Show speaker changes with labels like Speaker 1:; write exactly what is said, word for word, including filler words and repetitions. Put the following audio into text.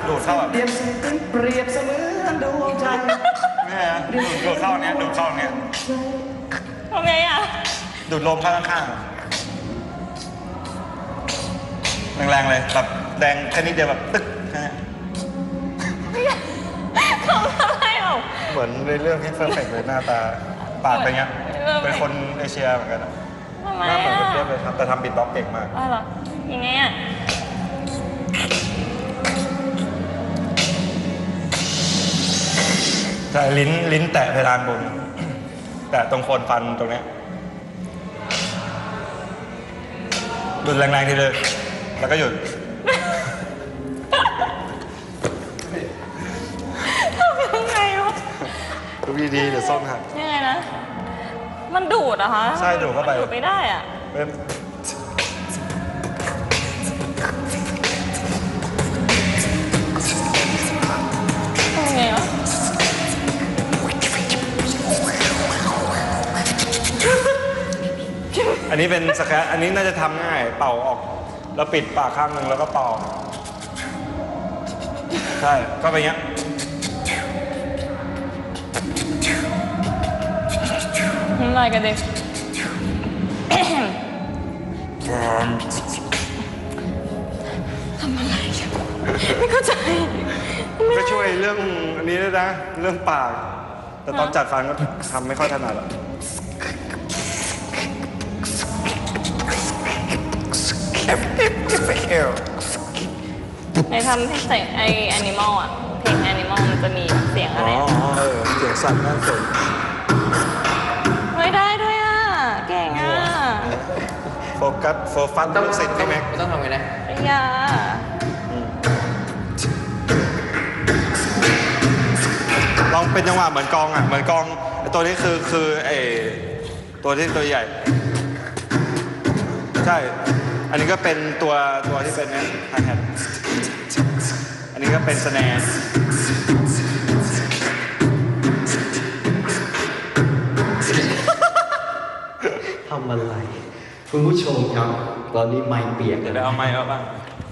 Speaker 1: ดูดเข้าแบบ
Speaker 2: เปรียบเสมือนเปรียบเสมือนดวงใจ
Speaker 1: ไม่ใช่นะดูดดูดเข้าเนี้ยดูดเข้าเนี้ย
Speaker 3: ทำไงอ่ะ
Speaker 1: ดูดลมเข้าข้างๆแรงๆเลยแบบแดงแค่นิดเดียวแบบตึ๊กแค่นี้
Speaker 3: ทำอะไรหรอ
Speaker 1: เหมือนในเรื่องที่เฟิร์มเฟกเลยหน้าตาปากเป็นเงี้ยเป็นคนเอเชียเหมือนกันอะ
Speaker 3: ทำไม
Speaker 1: หน้าเหมือน
Speaker 3: อ่ะ
Speaker 1: เทียบเลยครับแต่ทำบิดบ็อกซ์เก่งมาก
Speaker 3: อ๋อเหรอยังไงอ่ะ
Speaker 1: ใช่ลิ้นลิ้นแตะเพดานบน แตะตรงโคนฟันตรงเนี้ยดูดแรงๆทีเลยแล้วก็หยุด
Speaker 3: ทำยังไงวะ
Speaker 1: ดูดีๆเดี๋ยวส้มหัก
Speaker 3: ยังไงนะ มันดูดเหรอะคะ
Speaker 1: ใช่ดูดเข้าไป
Speaker 3: มันดูดไม่ได้อ่ะ
Speaker 1: เป็น
Speaker 3: ทำไงวะ
Speaker 1: อันนี้เป็นสแครอันนี้น่าจะทำง่ายเป่าออกแล้วปิดปากข้างหนึ่งแล้วก็เป่าใช่ก็เป็นอย่างเงี้ย
Speaker 3: น้ำลายกระเด็นทำอะไรกันไม่เข้าใจ
Speaker 1: ก็ช่วยเรื่องอันนี้ด้วยนะเรื่องปาก แต่ตอนจัดฟันก็ทำไม่ค่อยถนัดอะ
Speaker 3: ในทำเพลงไอแอนิมอลอ่ะ เพลงแอนิมอลมันจะมีเสียง
Speaker 1: อ๋
Speaker 3: อะ
Speaker 1: อ
Speaker 3: ไร
Speaker 1: เออเสียงสั่นน่าสน
Speaker 3: ไม่ได้ด้วยอ่ะ เก่งอ่ะ
Speaker 1: โฟกัสโฟฟัสลูกศิษย์พี่แม็ก
Speaker 4: มันต้องทำไงนะ
Speaker 3: ปริญญา
Speaker 1: ลองเป็นจังหวะเหมือนกองอ่ะเหมือนกองไอ้ตัวนี้คือคือไอ้ตัวที่ตัวใหญ่ ใช่ อันนี้ก็เป็นตัวตัวที่เป็นเนี่ยไฮแฮทอันนี้ก็เป็นสแนร์
Speaker 2: ทำอะไร คุณผู้ชมครับ ตอนนี้ไม้เปียก
Speaker 1: เดี๋
Speaker 2: แล้
Speaker 1: ยว
Speaker 2: ว
Speaker 1: เอาไม้เอาบ้าง